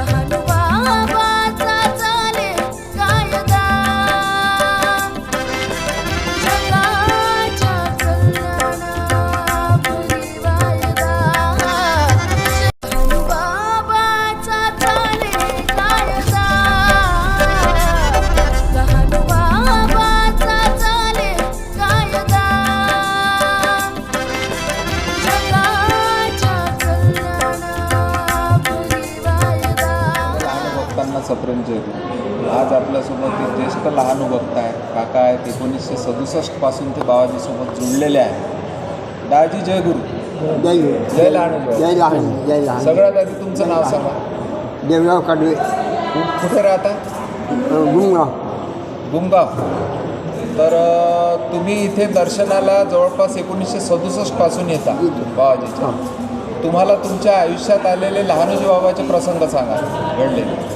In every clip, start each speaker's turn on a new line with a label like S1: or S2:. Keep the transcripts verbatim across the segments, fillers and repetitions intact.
S1: सप्रेम जयगुरु. आज आपल्यासोबत एक ज्येष्ठ लहान वक्ता आहे, काका आहेत. एकोणीसशे सदुसष्टपासून ते बाबाजीसोबत जुळलेले आहेत. दाजी जयगुरु.
S2: जय
S1: जय लहान
S2: जय लहान जय लहान.
S1: सगळ्यात आधी तुमचं नाव सांगा.
S2: देवराव कडवे.
S1: कुठे राहता?
S2: गुमगाव.
S1: गुमगाव. तर तुम्ही इथे दर्शनाला जवळपास एकोणीसशे सदुसष्टपासून येता बाबाजीच्या. तुम्हाला तुमच्या आयुष्यात आलेले लहानोजी बाबाचे प्रसंग सांगा घडलेले.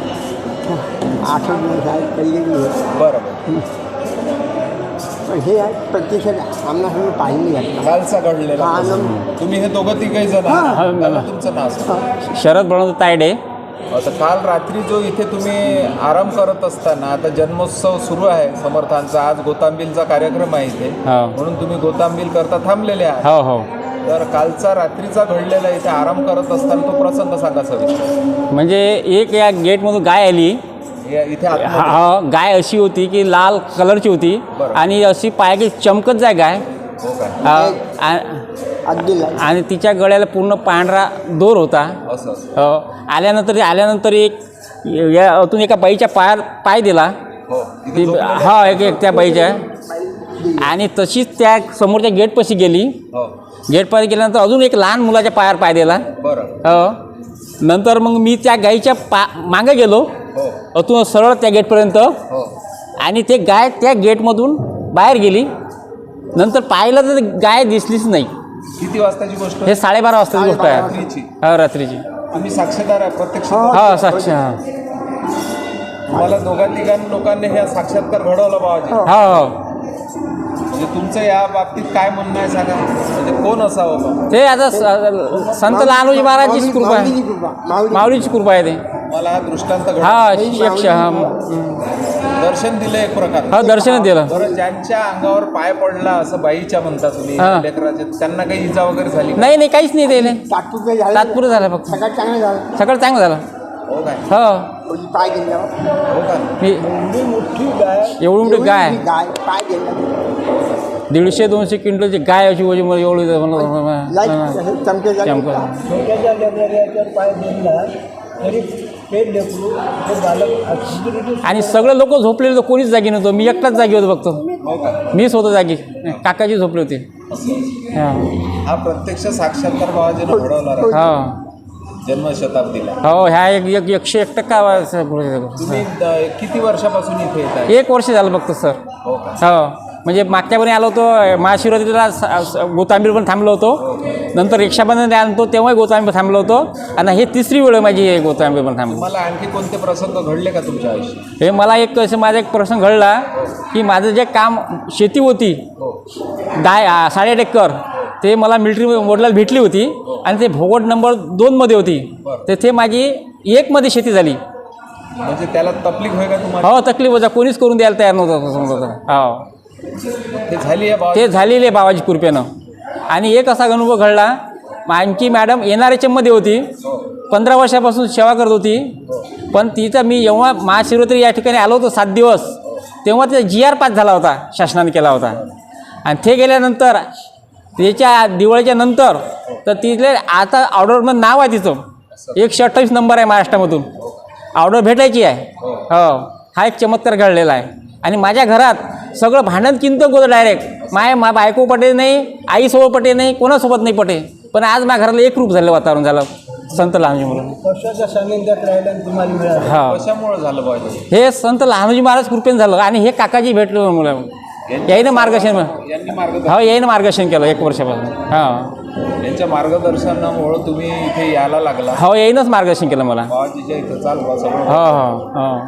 S2: आठवण पहिले
S1: बरोबर.
S2: पण हे प्रत्यक्षात आम्हाला पाहिजे घातलं
S1: कालचा घडलेला
S2: आनंद.
S1: तुम्ही हे दोघं तिघही जण आहात. त्याला तुमचं नाव सांगा.
S3: शरद बळवंत तायडे.
S1: आता काल रात्री जो इथे तुम्ही आराम करत असताना, आता जन्मोत्सव सुरू आहे समर्थांचा, आज गोतांबीलचा कार्यक्रम आहे इथे, म्हणून तुम्ही गोतांबील करता थांबलेले आहात.
S3: हो हो.
S1: तर कालचा रात्रीचा घडलेला इथे आराम करत असताना तो प्रसंग सांगा सविस्तर.
S3: म्हणजे एक या गेटमधून गाय आली.
S1: इथे
S3: हा, गाय अशी होती की लाल कलरची होती आणि अशी पायाची चमकत जाय गाय.
S1: हो काय?
S3: आणि तिच्या गळ्याला पूर्ण पांढरा दोर होता.
S1: असं
S3: आल्यानंतर आल्यानंतर एक यातून एका बाईच्या पायात पाय दिला. ती हा एक एक त्या बाईच्या. आणि तशीच त्या समोरच्या गेटपाशी गेली. गेटपाशी गेल्यानंतर अजून एक लहान मुलाच्या पायावर पाय दिला. हो. नंतर मग मी त्या गाईच्या पा मागे गेलो अतून सरळ त्या गेटपर्यंत. आणि ते गाय त्या गेटमधून बाहेर गेली. नंतर पाहिलं तर गाय दिसलीच नाही.
S1: किती वाजताची गोष्ट?
S3: हे साडेबारा वाजताची गोष्ट आहे.
S1: रात्रीची.
S3: हा, रात्रीची.
S1: तुम्ही साक्षीदार आहे प्रत्यक्ष?
S3: हा, साक्ष. हा,
S1: तुम्हाला दोघा तिघां लोकांनी हे साक्षात्कार घडवलं बाबाजी.
S3: हो हो.
S1: म्हणजे तुमचं या बाबतीत काय म्हणणं आहे सांगा. म्हणजे कोण असावं बाबा?
S3: ते आता संत लहानोजी महाराजचीच कृपा आहे. माऊलीची कृपा आहे ते.
S1: मला हा दृष्टांत घडवला.
S3: हा, यक्ष. हा,
S1: दर्शन दिलं एक प्रकार.
S3: हा, दर्शन दिलं.
S1: बरं, ज्यांच्या अंगावर पाय पडला असं बाईच्या म्हणता तुम्ही लेकराचे, त्यांना काही इजा वगैरे झाली?
S3: नाही नाही, काहीच नाही त्याला.
S2: तात्पुरतं झालं.
S3: तात्पुरतं झालं फक्त.
S2: सगळं चांगलं झालं.
S3: सगळं चांगलं झालं.
S1: हो काय?
S3: हो.
S2: पाय गेल्यावर
S1: हो का?
S3: मी
S2: एवढी मोठी गाय.
S3: एवढी मोठी गाय.
S2: गाय पाय गेल्या.
S3: दीडशे दोनशे क्विंटलची गाय अशी वजी मला एवढी
S2: चमके
S3: चमकत.
S2: छोट्याच्या लेकराच्यावर पाय गेला तरी पेट लेकरू ते बालक.
S3: आणि सगळे लोक झोपलेले होते, कोणीच जागी नव्हतं. मी एकटाच जागी होतो फक्त.
S1: हो का?
S3: मीच होतो जागी. काकाजी झोपले होते.
S1: हा प्रत्यक्ष साक्षात्कार बाबाजीनं घडवला
S3: हा,
S1: जन्मशताब्दीला.
S3: हो. ह्या एक एक एकशे एक टक्का.
S1: तुम्ही किती वर्षापासून इथे येत आहे?
S3: एक वर्ष झालं फक्त सर.
S1: हो का?
S3: हो. म्हणजे मागच्यापर्यंत आलो होतो महाशिवरात्रीला गोतांबीर पण थांबलो होतो. नंतर रिक्षाबंधन आलो होतो तेव्हाही गोतांबीर थांबलो होतो. आणि हे तिसरी वेळ माझी गोतांबीर पण थांबलो.
S1: मला आणखी कोणते प्रसंग घडले का तुमच्या आयुष्यात?
S3: हे मला एक असं माझा एक प्रसंग घडला की माझं जे काम शेती होती दहा साडेआठ एकर, ते मला मिलिटरी वडिलाला भेटली होती. आणि ते भोगट नंबर दोनमध्ये होती. तेथे माझी एकमध्ये शेती झाली.
S1: म्हणजे त्याला तकलीफ होय का तुम्हाला?
S3: हो, तकलीफ होता. कोणीच करून द्यायला तयार नव्हतं. हो,
S1: ते झाली आहे
S3: ते झालेले बाबाजी कृपेनं. आणि एक असा अनुभव घडला. आमची मॅडम एन आर एच एममध्ये होती. पंधरा वर्षापासून सेवा करत होती. पण तिथं मी जेव्हा महाशिवरात्री या ठिकाणी आलो होतो सात दिवस, तेव्हा तिचा जी आर पास झाला होता, शासनाने केला होता. आणि ते गेल्यानंतर त्याच्या दिवाळीच्या नंतर तर तिथले आता ऑर्डरमध्ये नाव आहे तिचं. एकशे अठ्ठावीस नंबर आहे महाराष्ट्रामधून. ऑर्डर भेटायची आहे. हो, हा एक चमत्कार घडलेला आहे. आणि माझ्या घरात सगळं भांडण किंतन होतं डायरेक्ट. माय मा बायको पटे नाही, आईसोबत पटे नाही, कोणासोबत नाही पटे. पण आज माझ्या घराला एक रूप झालं, वातावरण झालं संत लहानोजी म्हणून.
S2: कशाच्या सानिध्यात राहिला तुम्हाला मिळालं?
S3: हा,
S1: कशामुळे झालं बाबाजी?
S3: हे संत लहानोजी महाराज कृपेन झालं. आणि हे काकाजी भेटले मला. याईनं मार्गदर्शन.
S1: यांनी मार्गदर्शन.
S3: हो, याईनं मार्गदर्शन केलं एक वर्षापासून. हां,
S1: यांच्या मार्गदर्शनामुळे तुम्ही इथे यायला लागला.
S3: हो, याईनंच मार्गदर्शन केलं मला.
S1: बाबाजीच्या इथं चाल बा सगळं.
S3: हो हो हो.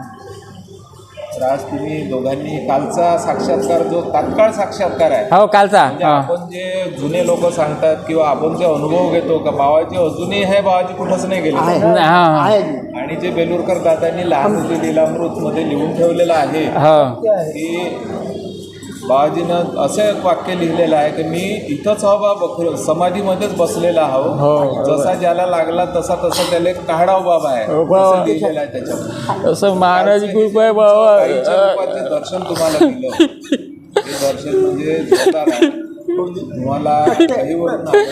S1: तर आज तुम्ही दोघांनी कालचा साक्षात्कार जो तात्काळ साक्षात्कार आहे,
S3: हो, कालचा.
S1: म्हणजे आपण जे जुने लोक सांगतात किंवा आपण जे अनुभव घेतो का बाबाजी अजूनही आहे, बाबाजी कुठंच नाही गेले. आणि आणि जे बेलुरकर दादांनी लहानोजी लीलामृतमध्ये लिहून ठेवलेलं आहे
S3: हो
S2: ते आहे
S1: की बाबाजीनं असं एक वाक्य लिहिलेलं आहे की मी इथंच हवं बा बख- समाधीमध्येच बसलेला
S3: हो.
S1: हवं जसा ज्याला लागला तसा तसा त्याला एक काढाव बाबा आहे
S3: हो, बाबा.
S1: असं लिहिलेलं आहे त्याच्यामध्ये.
S3: असं महाराज कृपा आहे बाबा
S1: गाईच्या रूपात जे दर्शन तुम्हाला दिलं ते दर्शन म्हणजे जोरदार आहे. तुम्हाला काही होत नाही.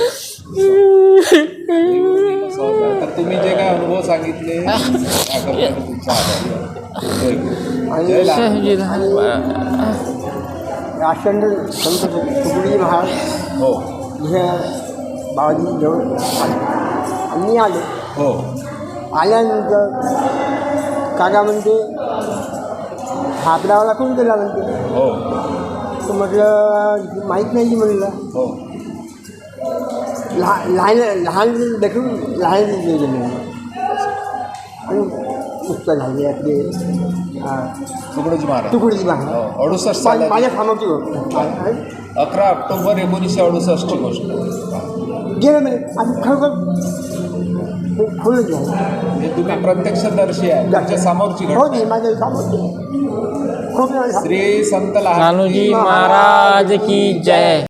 S1: तर तुम्ही जे काय अनुभव सांगितले त्याकरता मी तुमचा आभारी आहे. जय गुरु. जय लहानोजी.
S2: राष्ट्रंड संत तुकडोजी महाराज
S1: हो
S2: हे बाबाजी जवळ आले आम्ही आलो
S1: हो
S2: आल्यानंतर काका म्हणते हा आपल्याला कोण केला म्हणते
S1: हो
S2: तर म्हटलं माहीत नाही म्हणलं
S1: हो
S2: लहान लहान लहान देखील लहान गेले आणि पुस्तक झाले आपले
S1: तुकडोजी महाराज
S2: तुकडोजी महाराज
S1: हो, अडुसष्ट
S2: मा-
S1: सालाची
S2: माझ्या कामाची गोष्ट
S1: अकरा ऑक्टोबर एकोणीसशे अडुसष्टची गोष्ट
S2: गेलं म्हणजे आणि खरोखर खोलून घ्या
S1: म्हणजे तुम्ही प्रत्यक्षदर्शी आहे तुमच्या समोरची
S2: हो
S1: घटना
S2: नाही माझ्या कामाची खूप
S1: श्री संत
S3: लहानोजी महाराज की जय.